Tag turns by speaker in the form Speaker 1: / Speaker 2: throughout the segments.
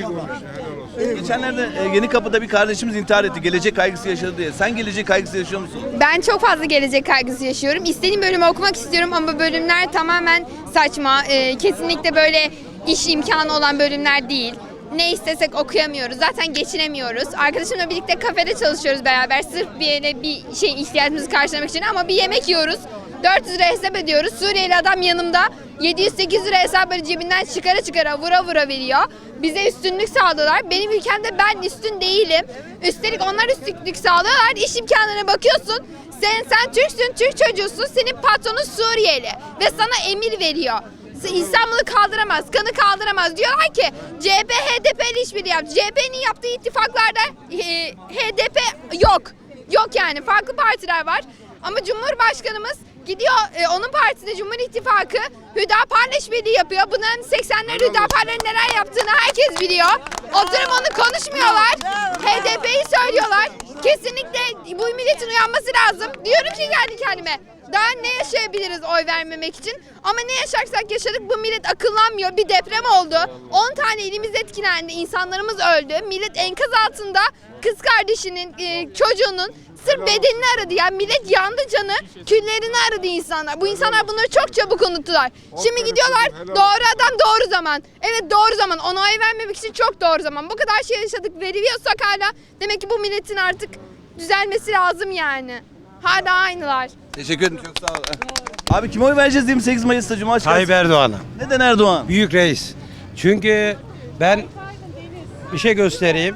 Speaker 1: Geçenlerde Yenikapı'da bir kardeşimiz intihar etti. Gelecek kaygısı yaşadı diye. Sen gelecek kaygısı yaşıyor musun?
Speaker 2: Ben çok fazla gelecek kaygısı yaşıyorum. İstediğim bölümü okumak istiyorum ama bölümler tamamen saçma. Kesinlikle böyle iş imkanı olan bölümler değil. Ne istesek okuyamıyoruz. Zaten geçinemiyoruz. Arkadaşımla birlikte kafede çalışıyoruz beraber. Sırf bir yere bir şey ihtiyacımızı karşılamak için ama bir yemek yiyoruz. 400 lira hesap ediyoruz. Suriyeli adam yanımda 700-800 lira hesapları cebinden çıkara vura vura veriyor. Bize üstünlük sağlıyorlar. Benim ülkemde ben üstün değilim. Üstelik onlar üstünlük sağlıyorlar. İş imkanlarına bakıyorsun. Sen Türksün, Türk çocuğusun. Senin patronun Suriyeli ve sana emir veriyor. İstanbul'u kaldıramaz, kanı kaldıramaz. Diyorlar ki CHP HDP ile işbirliği yaptı. CHP'nin yaptığı ittifaklarda HDP yok. Yok yani farklı partiler var. Ama Cumhurbaşkanımız gidiyor onun partisinde Cumhur İttifakı Hüdapar'la işbirliği yapıyor. Bunların 80'ler Hüdapar'ların neler yaptığını herkes biliyor. Oturup onu konuşmuyorlar. HDP'yi söylüyorlar. Kesinlikle bu milletin uyanması lazım. Diyorum ki kendi kendime. Daha ne yaşayabiliriz oy vermemek için? Ama ne yaşarsak yaşadık bu millet akıllanmıyor. Bir deprem oldu. 10 tane ilimiz etkilendi. İnsanlarımız öldü. Millet enkaz altında kız kardeşinin, çocuğunun sırf bedenini aradı. Yani millet yandı canı, küllerini aradı insanlar. Bu insanlar bunları çok çabuk unuttular. Şimdi gidiyorlar doğru adam doğru zaman. Evet doğru zaman. Ona oy vermemek için çok doğru zaman. Bu kadar şey yaşadık veriyorsak hala demek ki bu milletin artık düzelmesi lazım yani. Hala aynılar.
Speaker 1: Teşekkür ederim. Çok sağ ol. Abi kime oy vereceğiz 28 Mayıs'ta Cumhurbaşkanı?
Speaker 3: Tayyip Erdoğan'a.
Speaker 1: Neden Erdoğan?
Speaker 3: Büyük reis. Çünkü ben bir şey göstereyim.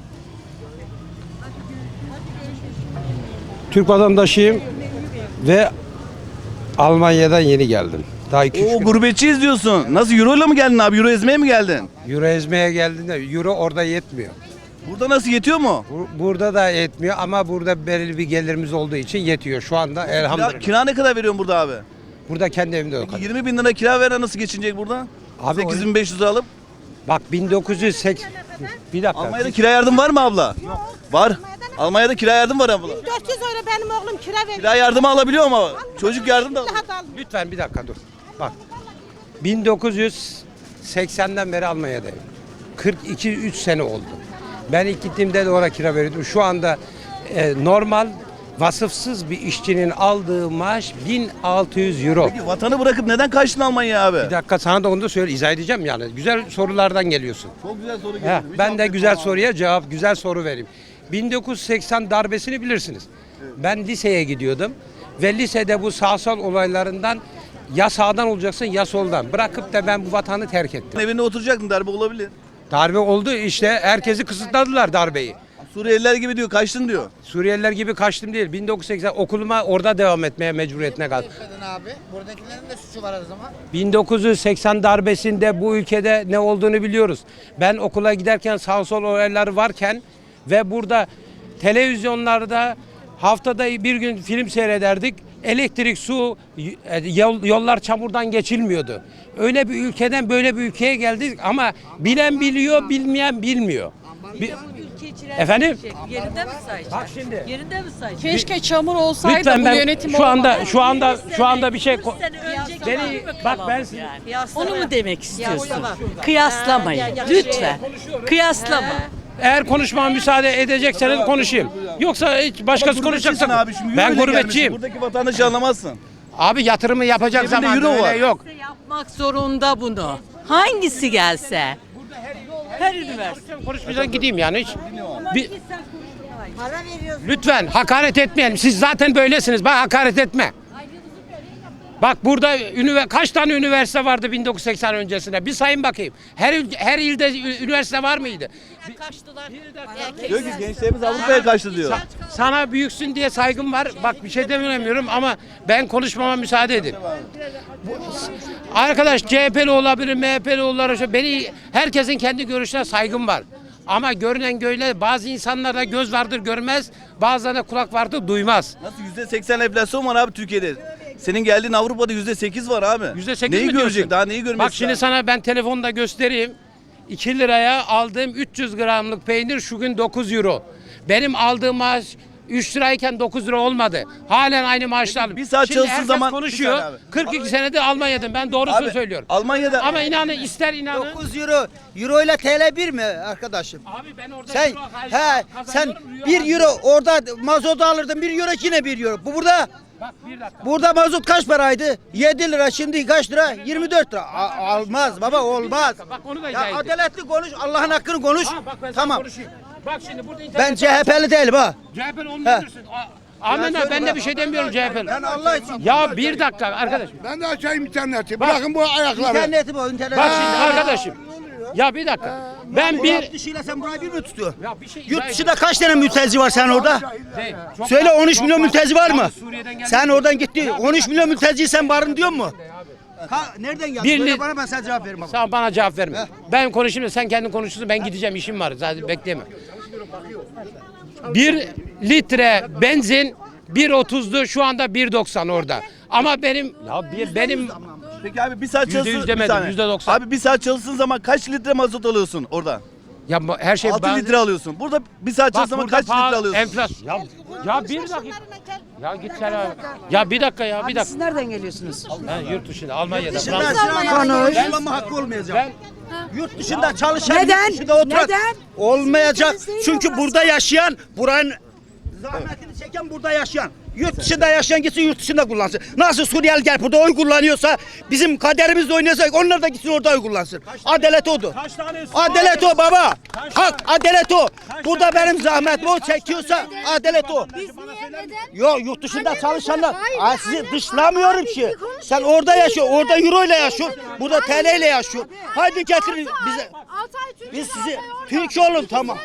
Speaker 3: Türk vatandaşıyım ve Almanya'dan yeni geldim. Daha 2-3
Speaker 1: Oo
Speaker 3: gün.
Speaker 1: gurbetçiyiz diyorsun. Nasıl euro ile mi geldin abi? Euro ezmeye mi geldin?
Speaker 3: Euro ezmeye geldiğinde euro orada yetmiyor.
Speaker 1: Burada nasıl yetiyor mu?
Speaker 3: Burada da yetmiyor ama burada belirli bir gelirimiz olduğu için yetiyor şu anda elhamdülillah.
Speaker 1: Kira ne kadar veriyorsun burada abi?
Speaker 3: Burada kendi evimde yok.
Speaker 1: 20 bin lira kira veren nasıl geçinecek burada?
Speaker 3: Abi
Speaker 1: 8500 alıp.
Speaker 3: Bak 1980 bir dakika.
Speaker 1: Almanya'da kira yardım var mı abla? Var. Almanya'da kira yardım var abla.
Speaker 4: 400 euro benim oğlum kira veriyor.
Speaker 1: Kira yardımı alabiliyor ama çocuk yardım da alıyor.
Speaker 3: Lütfen bir dakika dur. Bak 1980'den beri Almanya'dayım. 42-3 sene oldu. Ben ilk gittiğimde de oraya kira veriyordum. Şu anda normal vasıfsız bir işçinin aldığı maaş 1600 euro.
Speaker 1: Peki vatanı bırakıp neden kaçtın Almanya'ya abi?
Speaker 3: Bir dakika sana da onu da söyle izah edeceğim yani. Güzel sorulardan geliyorsun.
Speaker 1: Çok güzel soru
Speaker 3: He,
Speaker 1: geldi.
Speaker 3: ben de güzel soruya cevap, güzel soru vereyim. 1980 darbesini bilirsiniz. Ben liseye gidiyordum ve lisede bu sağsal olaylarından ya sağdan olacaksın ya soldan. Bırakıp da ben bu vatanı terk ettim.
Speaker 1: Evinde oturacaktın darbe olabilir.
Speaker 3: Darbe oldu işte herkesi kısıtladılar darbeyi.
Speaker 1: Suriyeliler gibi diyor kaçtın diyor.
Speaker 3: Suriyeliler gibi kaçtım değil. 1980 okuluma orada devam etmeye mecburiyetine kaldım.
Speaker 5: Abi. Buradakilerin de suçu var o zaman.
Speaker 3: 1980 darbesinde bu ülkede ne olduğunu biliyoruz. Ben okula giderken sağ sol olaylar varken ve burada televizyonlarda haftada bir gün film seyrederdik. Elektrik, su, yollar çamurdan geçilmiyordu. Öyle bir ülkeden böyle bir ülkeye geldik ama bilen biliyor, bilmeyen bilmiyor. Efendim?
Speaker 6: Yerinde mi sayacak?
Speaker 3: Bak şimdi.
Speaker 6: Yerinde mi sayacak?
Speaker 4: Keşke çamur olsaydı
Speaker 3: Lütfen
Speaker 4: bu
Speaker 3: ben
Speaker 4: yönetim
Speaker 3: şu anda bir şey beni bak ben
Speaker 6: Onu mu demek istiyorsun? Kıyaslamayın. Lütfen. Kıyaslama.
Speaker 3: eğer konuşmama müsaade edecekseniz konuşayım. Yoksa hiç başkası konuşacaksa
Speaker 1: Abi şimdi
Speaker 3: ben
Speaker 1: euro ile
Speaker 3: gurbetçiyim.
Speaker 1: gelmişsin. Buradaki vatandaşı anlamazsın.
Speaker 3: Abi yatırımı yapacak
Speaker 1: Cebinde
Speaker 3: zaman
Speaker 1: euro
Speaker 3: öyle
Speaker 1: var.
Speaker 3: yok.
Speaker 6: Yapmak zorunda bunu. Hangisi gelse? Her üniversite.
Speaker 3: Konuşmadan gideyim yani hiç. Lütfen hakaret etmeyelim. Siz zaten böylesiniz. Bak hakaret etme. Bak burada kaç tane üniversite vardı 1980 öncesinde? Bir sayın bakayım. Her ilde üniversite var mıydı?
Speaker 6: Kaçtılar.
Speaker 1: Diyor ki gençlerimiz Avrupa'ya kaçtı diyor.
Speaker 3: Sana büyüksün diye saygım var. Bak bir şey demiyorum ama ben konuşmama müsaade edin. Arkadaş CHP'li olabilir, MHP'li olabilir. Herkesin kendi görüşüne saygım var. Ama görünen göyle bazı insanlarda göz vardır görmez, bazılarında kulak vardır duymaz.
Speaker 1: Nasıl %80 enflasyon var abi Türkiye'de? Senin geldiğin Avrupa'da %8 var abi.
Speaker 3: %8
Speaker 1: neyi
Speaker 3: mi
Speaker 1: görecek?
Speaker 3: diyorsun?
Speaker 1: Daha neyi görmesi
Speaker 3: Bak şimdi
Speaker 1: lazım?
Speaker 3: sana ben telefonda göstereyim. 2 liraya aldığım 300 gramlık peynir şu gün 9 euro. Benim aldığım maaş 3 lirayken 9 lira olmadı. Halen aynı maaşlar.
Speaker 1: bir saat
Speaker 3: Şimdi
Speaker 1: çalışsın
Speaker 3: herkes
Speaker 1: zaman-
Speaker 3: konuşuyor.
Speaker 1: Bir saniye abi.
Speaker 3: 42 senedir Almanya'dım. Ben doğrusunu
Speaker 1: Abi,
Speaker 3: söylüyorum.
Speaker 1: Almanya'da
Speaker 3: Ama inanın, ister inanın.
Speaker 7: 9 euro. Euro ile TL 1 mi arkadaşım?
Speaker 3: Abi ben orada
Speaker 7: Sen
Speaker 3: euro
Speaker 7: sen
Speaker 3: kazanıyorum,
Speaker 7: 1 euro orada mazot alırdın, 1 euro yine 1 euro. Bu burada
Speaker 3: Bak bir dakika.
Speaker 7: burada mazot kaç paraydı? 7 lira, şimdi kaç lira? 24 lira. Almaz baba, olmaz.
Speaker 3: Bak onu da izah
Speaker 7: Ya
Speaker 3: edeyim.
Speaker 7: adaletli konuş, Allah'ın hakkını konuş.
Speaker 3: Ha, bak ben sana
Speaker 7: Tamam.
Speaker 3: konuşayım. Bak şimdi burada
Speaker 7: Ben
Speaker 3: internet.
Speaker 7: CHP'li değilim ha.
Speaker 3: CHP'li olmuyorsun. Amenna, ben de bir şey demiyorum CHP'li.
Speaker 7: Ben Allah için.
Speaker 3: Ya bir dakika arkadaş.
Speaker 8: Ben de açayım interneti.
Speaker 3: Bak.
Speaker 8: Bırakın bu ayakları.
Speaker 7: İnterneti bu, internet.
Speaker 3: Bak şimdi arkadaşım. Ya bir dakika. Ben bir
Speaker 7: Yurt dışıyla sen burayı bir mi tutuyorsun?
Speaker 3: ya bir şey
Speaker 7: Yurt dışında kaç tane mülteci var sen orada?
Speaker 3: Değil. Çok-
Speaker 7: Söyle, 13 milyon
Speaker 3: çok
Speaker 7: mülteci var mı?
Speaker 3: Yalnız Suriye'den geldi.
Speaker 7: Sen oradan gitti. 13 milyon mülteciyi sen barın diyor mu? Nereden geldin?
Speaker 3: Bir
Speaker 7: Söyle
Speaker 3: li-
Speaker 7: bana, ben sana cevap veririm.
Speaker 3: Sen bana cevap verme. Ben konuşayım da sen kendin konuşursun, ben gideceğim, işim var. Zaten bekleme. 1 litre benzin 1.30'du, şu anda 1.90 orada. Ama benim benim
Speaker 1: peki abi bir saat
Speaker 3: %100
Speaker 1: çalışsın bir
Speaker 3: demedim,
Speaker 1: saniye.
Speaker 3: %90.
Speaker 1: Abi bir saat çalışsın zaman kaç litre mazot alıyorsun orada?
Speaker 3: ya her şey
Speaker 1: 6 litre alıyorsun. Burada bir saat
Speaker 3: Bak
Speaker 1: çalışsın zaman
Speaker 3: burada
Speaker 1: kaç litre
Speaker 3: pahalı,
Speaker 1: alıyorsun?
Speaker 3: enflasyon. Ya bir dakika. Ya git sen abi. Ya bir dakika ya, bir dakika.
Speaker 9: Siz nereden geliyorsunuz?
Speaker 3: Ben yurt dışında, Almanya'da.
Speaker 7: Dışında
Speaker 3: Fransa'da.
Speaker 7: yaşlanma hakkı olmayacak. Yurt dışında çalışan,
Speaker 9: Neden?
Speaker 7: yurt dışında oturan
Speaker 9: Neden?
Speaker 7: olmayacak.
Speaker 9: Ülkeniz değil
Speaker 7: Çünkü
Speaker 9: orası.
Speaker 7: burada yaşayan, buranın zahmetini çeken burada yaşayan. Yurt dışında yaşayan gitsin, yurt dışında kullansın. Nasıl Suriyeli gelip burada oy kullanıyorsa, bizim kaderimizle oynuyorsa onlar da gitsin orada oy kullansın. Adalet odur. Adalet o baba. Hak, adalet o. Burada benim zahmetimi o çekiyorsa adalet o. Yok, yurt dışında çalışanlar. Ay, sizi dışlamıyorum ki. Sen orada yaşıyor, orada euro ile yaşıyor. Burada TL ile yaşıyor. Hadi getirin bize. Biz sizi Türkiye olun, tamam.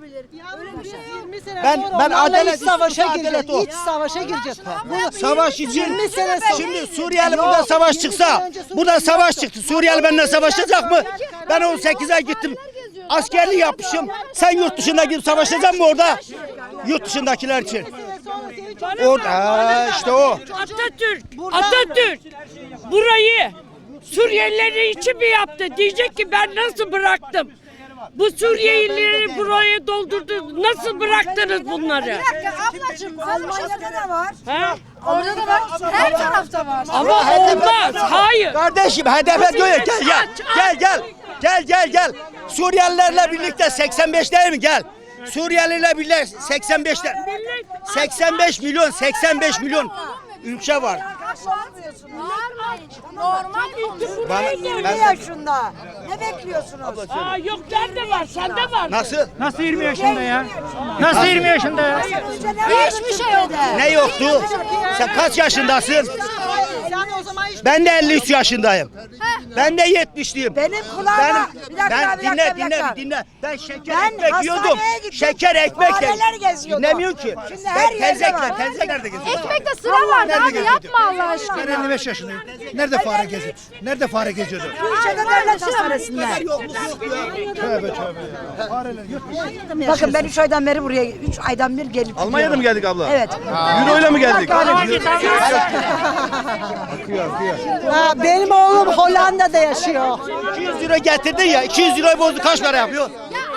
Speaker 7: Ben adalet
Speaker 9: savaşa
Speaker 7: adalet
Speaker 9: gireceğiz.
Speaker 7: o.
Speaker 9: İç savaşa gireceğiz.
Speaker 7: Savaş için
Speaker 9: 20 sene sonra.
Speaker 7: şimdi Suriyeli burada savaş çıksa, burada savaş çıktı. Suriyeli benimle savaşacak mı? Ben 18'e gittim. Askerlik yapmışım. Sen yurt dışında gidip savaşacak mı orada? Yurt dışındakiler için. Orada işte o.
Speaker 10: Atatürk burayı Suriyelileri için mi yaptı? Diyecek ki ben nasıl bıraktım? Bu Suriyelileri buraya doldurdu. Nasıl bıraktınız bunları?
Speaker 9: Ablacığım, Almanya'da da var.
Speaker 10: Ha?
Speaker 9: Orada da var. Her tarafta var.
Speaker 10: Ama olmaz. Hayır.
Speaker 7: Kardeşim HDP diyor ya, gel. Suriyelilerle birlikte 85 değil mi? Gel. Suriyelilerle birlikte 85'te 85 milyon ülke var.
Speaker 9: Normal.
Speaker 7: Bana-
Speaker 9: 20
Speaker 7: ben-
Speaker 9: yaşında. Ne bekliyorsunuz?
Speaker 10: Aa, yok nerede var? Sende var.
Speaker 7: Nasıl?
Speaker 9: Nasıl 20 yaşında ya? Nasıl 20 yaşında ya? Hiçbir şey yok.
Speaker 7: Ne yoktu? Sen kaç yaşındasın?
Speaker 4: Yani o zaman hiç
Speaker 7: Ben de 53 yaşındayım. Ben de 70'liyim.
Speaker 9: Benim kulağıma bir dakika, bir dakika, bir dakika.
Speaker 7: dinle. Ben şeker
Speaker 9: Ben
Speaker 7: ekmek yiyordum.
Speaker 9: hastaneye gittim.
Speaker 7: Şeker ekmek
Speaker 9: Fareler geziyordu.
Speaker 7: Dinlemiyor ki.
Speaker 9: Şimdi her yerde var.
Speaker 7: Tenzek nerede geziyor?
Speaker 2: Ekmekte sıra vardı abi, yapma Allah aşkına.
Speaker 8: Ben 55 yaşındayım. Nerede fare geziyor? Nerede fare geziyordu?
Speaker 9: Gülşen'de devlet hastanesinde. Bakın ben 3 aydan beri buraya, 3 aydan bir gelip
Speaker 1: Almanya'da mı
Speaker 9: gidiyorum.
Speaker 1: geldik abla?
Speaker 9: Evet.
Speaker 1: Euro'yla mı geldik?
Speaker 9: Benim oğlum Hollanda'da yaşıyor.
Speaker 7: 200 euro getirdin ya. 200 euroyu bozdu, kaç para yapıyor?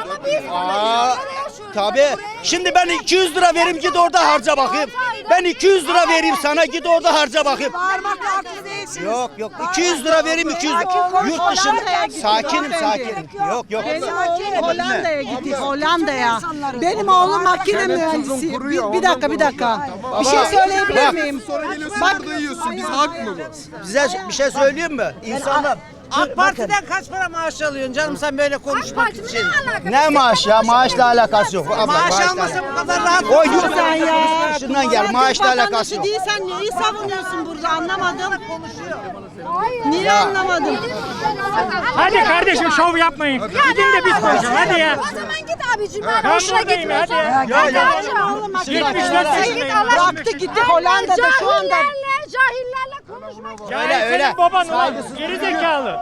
Speaker 7: Tabii. Şimdi ben 200 lira vereyim, git orada harca bakayım. Ben 200 lira vereyim sana, git orada harca bakayım.
Speaker 9: Bağırmakla haklı değilsiniz.
Speaker 7: Yok. 200 lira vereyim, 200 lira. Yurt dışında. Sakinim. Yok.
Speaker 4: Hollanda'ya gittik, Hollanda'ya. Benim oğlum makine mühendisi. Bir dakika. Bir şey söyleyebilir miyim? Bak,
Speaker 7: Size bir şey söyleyeyim mi? İnsanlar
Speaker 5: AK Parti'den kaç para maaş alıyorsun canım sen böyle konuşmak için?
Speaker 7: ne maaş ya? Maaşla alakası yok. Abla,
Speaker 5: Maaş
Speaker 7: maaşla-
Speaker 5: almasa bu kadar rahat
Speaker 7: O yurt
Speaker 5: konuşursan ya.
Speaker 7: dışından gel. Maaşla alakası yok.
Speaker 4: Değilsen neyi savunuyorsun burada anlamadım. Niye anlamadım?
Speaker 10: Hadi kardeşim şov yapmayın. Gidin de biz konuşalım. Hadi ya.
Speaker 2: O zaman git abicim, ben hoşuna gitmiyorsun.
Speaker 4: Oğlum bıraktı gitti Hollanda'da şu anda.
Speaker 2: Cahillerle konuşmak.
Speaker 7: Öyle.
Speaker 10: Baban ulan. Geri zekalı.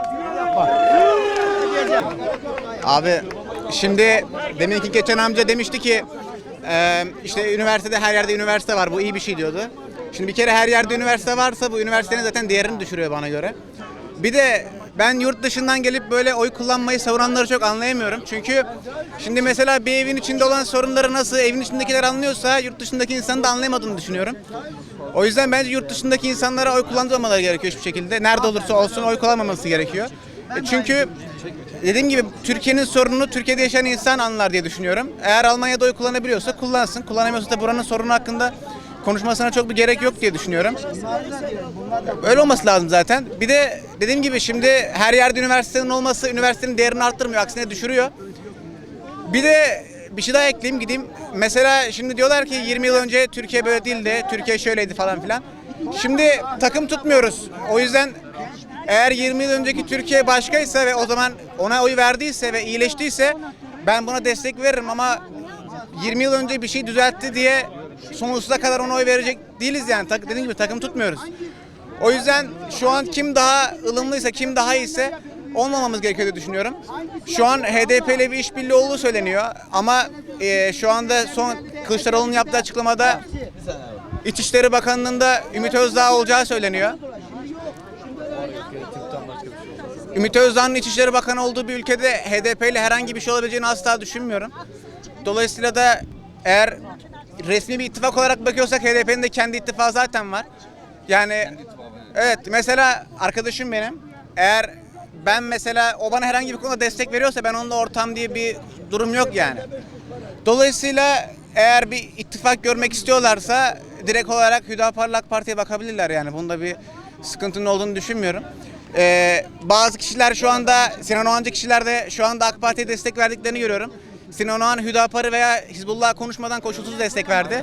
Speaker 5: Abi şimdi deminki geçen amca demişti ki işte üniversitede her yerde üniversite var, bu iyi bir şey diyordu. Şimdi bir kere her yerde üniversite varsa bu üniversitenin zaten değerini düşürüyor bana göre. Bir de ben yurt dışından gelip böyle oy kullanmayı savunanları çok anlayamıyorum. Çünkü şimdi mesela bir evin içinde olan sorunları nasıl evin içindekiler anlıyorsa yurt dışındaki insanın da anlayamadığını düşünüyorum. O yüzden bence yurt dışındaki insanlara oy kullandırmamaları gerekiyor hiçbir şekilde. Nerede olursa olsun oy kullanmaması gerekiyor. Çünkü dediğim gibi Türkiye'nin sorununu Türkiye'de yaşayan insan anlar diye düşünüyorum. Eğer Almanya'da oy kullanabiliyorsa kullansın. Kullanamıyorsa da buranın sorunu hakkında konuşmasına çok bir gerek yok diye düşünüyorum. Öyle olması lazım zaten. Bir de dediğim gibi şimdi her yerde üniversitenin olması üniversitenin değerini arttırmıyor. Aksine düşürüyor. Bir de bir şey daha ekleyeyim gideyim. Mesela şimdi diyorlar ki 20 yıl önce Türkiye böyle değildi. Türkiye şöyleydi falan filan. Şimdi takım tutmuyoruz. O yüzden eğer 20 yıl önceki Türkiye başkaysa ve o zaman ona oy verdiyse ve iyileştiyse ben buna destek veririm ama 20 yıl önce bir şey düzeltti diye sonsuza kadar ona oy verecek değiliz yani. Dediğim gibi takım tutmuyoruz. O yüzden şu an kim daha ılımlıysa, kim daha iyiyse olmamamız gerekiyor diye düşünüyorum. Şu an HDP ile bir işbirliği olduğu söyleniyor ama şu anda son Kılıçdaroğlu'nun yaptığı açıklamada İçişleri Bakanlığı'nda Ümit Özdağ olacağı söyleniyor. Ümit Özdağ'ın İçişleri Bakanı olduğu bir ülkede HDP ile herhangi bir şey olabileceğini asla düşünmüyorum. Dolayısıyla da eğer resmi bir ittifak olarak bakıyorsak HDP'nin de kendi ittifakı zaten var. Yani evet mesela arkadaşım benim. Eğer ben mesela o bana herhangi bir konuda destek veriyorsa ben onunla ortam diye bir durum yok yani. Dolayısıyla eğer bir ittifak görmek istiyorlarsa direkt olarak Hüdapar'la AK Parti'ye bakabilirler yani. Bunda bir sıkıntının olduğunu düşünmüyorum. Bazı kişiler şu anda Sinan Oğancı kişiler de şu anda AK Parti'ye destek verdiklerini görüyorum. Sinan Oğan Hüdapar'ı veya Hizbullah'a konuşmadan koşulsuz destek verdi.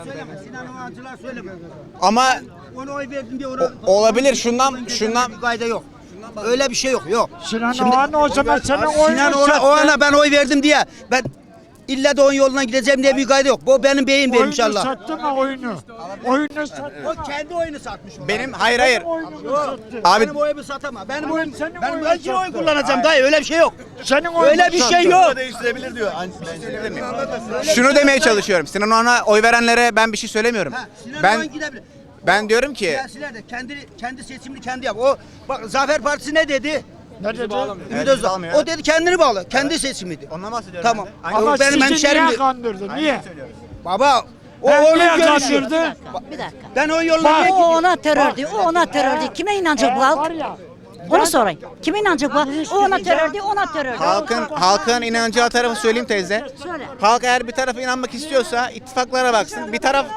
Speaker 5: Ama
Speaker 7: Ona oy verdim diye ona
Speaker 5: olabilir şundan
Speaker 7: bir kayda yok. Öyle bir şey yok. Yok.
Speaker 9: Sinan Oğan o zaman sana
Speaker 7: Sinan Oğan'a ben oy verdim diye ben illa da onun yoluna gideceğim diye bir kayda yok. Bu benim beyim benim inşallah.
Speaker 9: sattı mı oyunu? Oyunu sattı.
Speaker 7: O kendi oyunu satmış.
Speaker 5: benim hayır.
Speaker 7: Abi
Speaker 5: Abi
Speaker 7: benim oyumu satama. Benim oyum
Speaker 9: senin
Speaker 7: ben
Speaker 9: oyunu
Speaker 7: belki oy
Speaker 9: sattı.
Speaker 7: kullanacağım dayı öyle bir şey yok.
Speaker 9: Senin oyunu
Speaker 7: Öyle bir şey
Speaker 9: sattı.
Speaker 7: yok.
Speaker 1: Değiştirebilir diyor.
Speaker 5: şunu demeye çalışıyorum. Sinan Oğan'a oy verenlere ben bir şey söylemiyorum.
Speaker 7: Sinan
Speaker 5: Ben
Speaker 7: Oğan gidebilir.
Speaker 5: ben diyorum ki
Speaker 7: Siyasiler de kendi seçimini kendi yap. O bak Zafer Partisi ne dedi?
Speaker 9: Ne dedi?
Speaker 7: Ümit Özdağ. O dedi kendini bağlı. Kendi seçimiydi.
Speaker 5: ondan bahsediyorum.
Speaker 7: Tamam.
Speaker 5: ben de.
Speaker 9: Ama
Speaker 7: O benim
Speaker 9: sizi
Speaker 7: hemşerimdi.
Speaker 9: niye kandırdı? Niye?
Speaker 7: Baba o
Speaker 9: Ben
Speaker 7: onun
Speaker 9: niye
Speaker 7: görüşü.
Speaker 9: kandırdı?
Speaker 11: Bir dakika.
Speaker 7: Ben o yoluna niye
Speaker 11: O
Speaker 7: gidiyorum?
Speaker 11: ona terördü, o ona terördü. Kime inanacak bu halk?
Speaker 9: Var ya.
Speaker 11: Onu sorayım. Kime inanacak bu halk? O ona terördü, ona terördü.
Speaker 5: Halkın inancı tarafı söyleyeyim teyze.
Speaker 11: Söyle.
Speaker 5: Halk eğer bir tarafa inanmak istiyorsa ittifaklara baksın. Bir taraf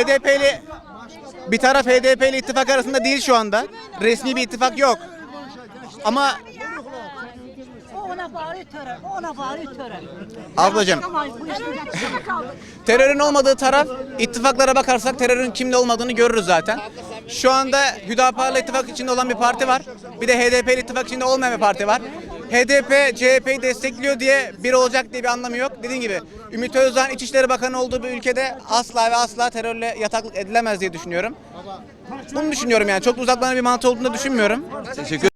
Speaker 5: HDP'li ittifak arasında değil şu anda. Resmi bir ittifak yok. Ama
Speaker 11: O ona bağırıyor terör, o ona bağırıyor terör.
Speaker 5: ablacığım terörün olmadığı taraf ittifaklara bakarsak terörün kimde olmadığını görürüz zaten. Şu anda Hüdapar'la ittifak içinde olan bir parti var. Bir de HDP'li ittifak içinde olmayan bir parti var. HDP CHP'yi destekliyor diye bir olacak diye bir anlamı yok. Dediğim gibi Ümit Özdağ'ın İçişleri Bakanı olduğu bir ülkede asla ve asla terörle yataklık edilemez diye düşünüyorum. Bunu düşünüyorum yani. Çok da uzaklanan bir mantığı olduğunu da düşünmüyorum.
Speaker 1: Teşekkür